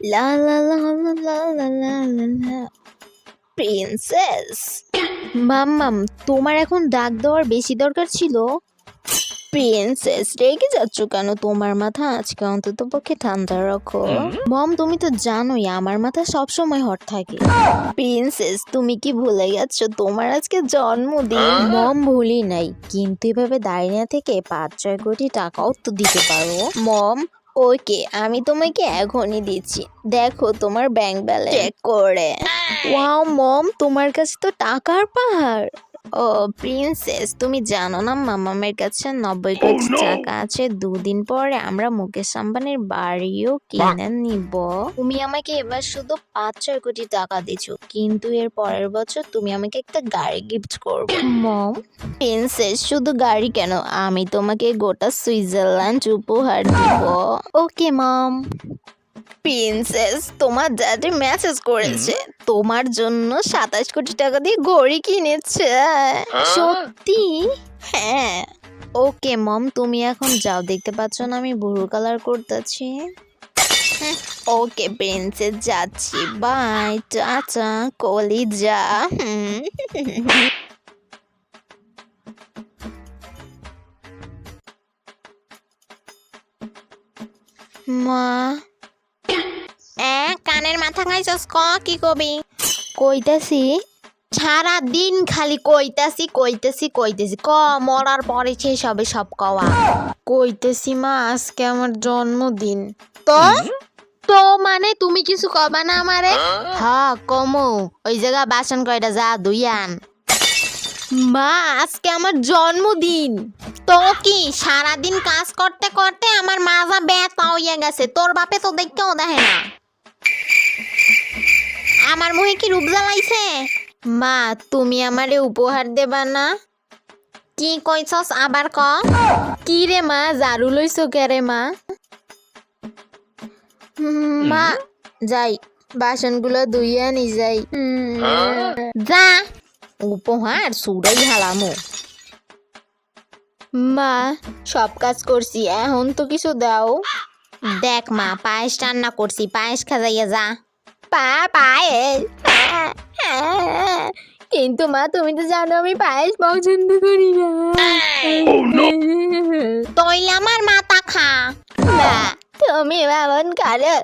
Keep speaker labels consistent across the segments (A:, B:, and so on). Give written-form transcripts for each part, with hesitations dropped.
A: লা লা লা লা লা লা লা লা লা। প্রিন্সেস মাম্মাম, তোমার এখন ডাক দেওয়ার বেশি দরকার ছিল। প্রিন্সেস রেগে যাচ্ছ কেন? তোমার মাথা আজকে অন্তত পক্ষে ঠান্ডা রাখো। মম, তুমি তো জানোই আমার মাথা সবসময় হট থাকে। প্রিন্সেস তুমি কি ভুলে গেছো তোমার আজকে জন্মদিন? মম, ভুলি নাই, কিন্তু এভাবে দাঁড়িয়ে না থেকে 5-6 কোটি টাকাও তো দিতে পারো। মম, ওকে, আমি তোমাকে এখনই দিচ্ছি, দেখো তোমার ব্যাংক ব্যালেন্স চেক করে। ওয়াও মম, তোমার কাছে তো টাকার পাহাড়। ও প্রিন্সেস, তুমি জানো না মামামের কাছে 90 কোটি টাকা আছে। 2 দিন পরে আমরা মুকেশ আম্বানির বাড়িও কিনে নিব। তুমি আমাকে এবার শুধু 5-6 কোটি টাকা দিছো, কিন্তু এর পরের বছর তুমি আমাকে একটা গাড়ি গিফট করবে। মম, প্রিন্সেস শুধু গাড়ি কেন, আমি তোমাকে গোটা সুইজারল্যান্ড উপহার দিব। Okay mom. প্রিন্সেস তোমার ড্যাডি মেসেজ করেছে তোমার জন্য 27 কোটি টাকা দিয়ে ঘড়ি কিনেছে। সত্যি? হ্যাঁ। ওকে মম, তুমি এখন যাও, দেখতে পাচ্ছ না আমি ব্লু কালার করতেছি। ওকে প্রিন্সেস, যাচ্ছি, বাই, টাটা কলিজা। মা, কানের মাথা খাইছস, কি কবি? কইতাছি, সারা দিন খালি কইতাছি কইতাছি কইতাছি, মরার পরে শেষ হবে সব কওয়া। কইতেছি মা, আজকে আমার জন্মদিন। তো তো মানে তুমি কিছু কবা না আমারে? হ্যাঁ কমো, ওই জায়গা বাসন কয়টা যা ধুই আন। মা, আজকে আমার জন্মদিন। তো কি সারাদিন কাজ করতে করতে আমার মাজা ব্যথা হইয়া গেছে, তোর বাপে তো দেখতেও দেখে না। আমার মুখে কি রূপ জ্বালাইছে? মা, তুমি আমারে উপহার দেবা না? কি কইছস আবার ক? কি রে মা, ঝাড়ু লইছো কে রে মা? মা, যাই বাসনগুলো ধুইয়া নি যাই। যা, উপহার সুরাই হালামো। মা, সব কাজ করছি, এখন তো কিছু দাও। দেখ মা, পায়েস রান্না করছি, পায়েস খাজাইয়া যা। পায়েস? কিন্তু মা, তুমি তো জানো আমি পায়েস পছন্দ করি না। তইলে আমার মাথা খা। না, তুমি এমন করো।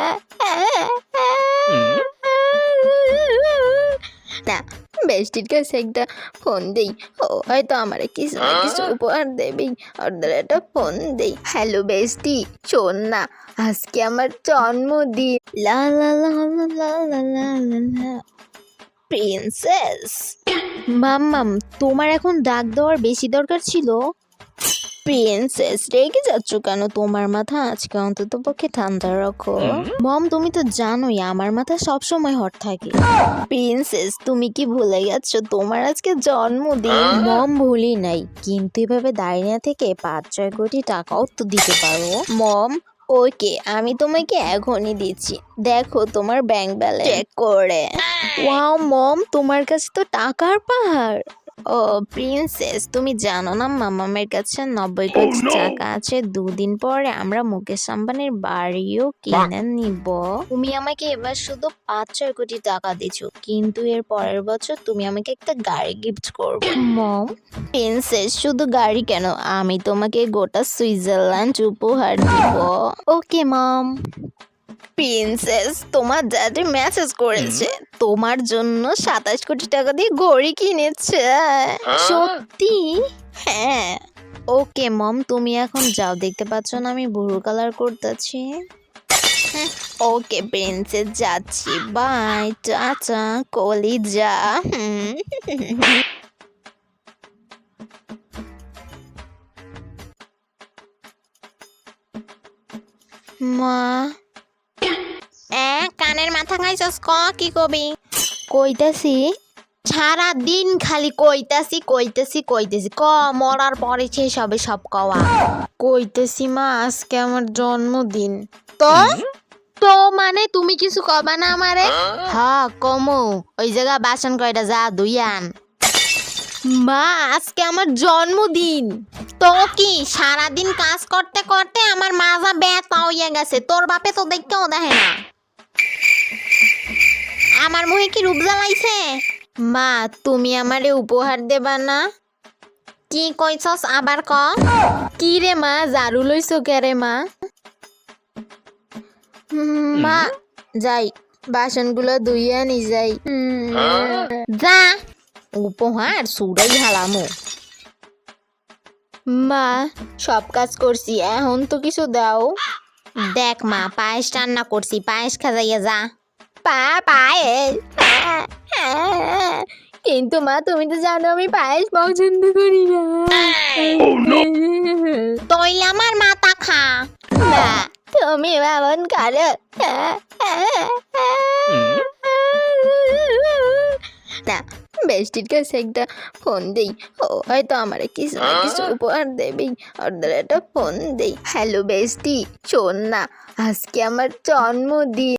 A: না, বেস্টির কাছে একটা ফোন দেই, ও হয়তো আমার কিছু না কিছু উপহার দেবেই। ওদের একটা ফোন দেই। হ্যালো বেস্টি, শোন না, আজকে আমার জন্মদিন। লা লা লা লা লা লা লা লা লা। প্রিন্সেস মাম্মাম, তোমার এখন ডাক দেওয়ার বেশি দরকার ছিল। প্রিন্সেস রেগে যাচ্ছ কেন? তোমার মাথা আজকে অন্তত পক্ষে ঠান্ডা রাখো। মম, তুমি তো জানোই আমার মাথা সবসময় হট থাকে। প্রিন্সেস তুমি কি ভুলে গেছো তোমার আজকে জন্মদিন? মম, ভুলি নাই, কিন্তু এভাবে দাঁড়িয়ে না থেকে 5-6 কোটি টাকাও তো দিতে পারো। মম, ওকে, আমি তোমাকে এখনই দিচ্ছি, দেখো তোমার ব্যাংক ব্যালেন্স চেক করে। ওয়াও মম, তোমার কাছে তো টাকার পাহাড়। ও প্রিন্সেস, তুমি জানো না মামামের কাছে 90 কোটি টাকা আছে। 2 দিন পরে আমরা মুকেশ আম্বানির বাড়িও কিনে নিব। তুমি আমাকে এবার শুধু 5-6 কোটি টাকা দিছো, কিন্তু এর পরের বছর তুমি আমাকে একটা গাড়ি গিফট করবে। মম, প্রিন্সেস শুধু গাড়ি কেন, আমি তোমাকে গোটা সুইজারল্যান্ড উপহার দিব। Okay mom. প্রিন্সেস তোমার ড্যাডি মেসেজ করেছে তোমার জন্য 27 কোটি টাকা দিয়ে ঘড়ি কিনেছে। সত্যি? হ্যাঁ। ওকে মম, তুমি এখন যাও, দেখতে পাচ্ছ না আমি ব্লু কালার করতেছি। ওকে প্রিন্সেস, যাচ্ছি, বাই, টাটা কলিজা। মা, কানের মাথা খাইছস, কি কবি? কইতাছি, সারা দিন খালি কইতাছি কইতাছি কইতাছি, মরার পরে শেষ হবে সব কওয়া। কইতেছি মা, আজকে আমার জন্মদিন। তো তো মানে তুমি কিছু কবা না আমারে? হ্যাঁ কমো, ওই জায়গা বাসন কয়টা যা ধুই আন। মা, আজকে আমার জন্মদিন। তো কি সারাদিন কাজ করতে করতে আমার মাজা ব্যথা হইয়া গেছে, তোর বাপে তো দেখতেও দেখে না।
B: আমার মুখে কি রূপ জ্বালাইছে?
A: মা তুমি আমারে উপহার দেবা না?
B: কি কইছস আবার ক?
A: কি রে মা ঝাড়ু লইছো কেরে মা? মা যাই বাসনগুলো ধুইয়ে আনি যাই।
B: যা উপহার সুরাই হালামু।
A: মা সব কাজ করছি এখন তো কিছু দাও।
B: দেখ মা পায়েস রান্না করছি, পায়েস খাজাইয়া যা।
A: পায়েস কিন্তু মা তুমি তো জানো আমি পায়েস পছন্দ করি না।
B: তইলে আমার মাথা খা।
A: না তুমি এমন করো না। বেস্টির কাছে একটা ফোন দেই, ও হয়তো আমার কিছু না কিছু উপহার দেবেই। ওদের একটা ফোন দেই। হ্যালো বেস্টি, শোন না আজকে আমার জন্মদিন।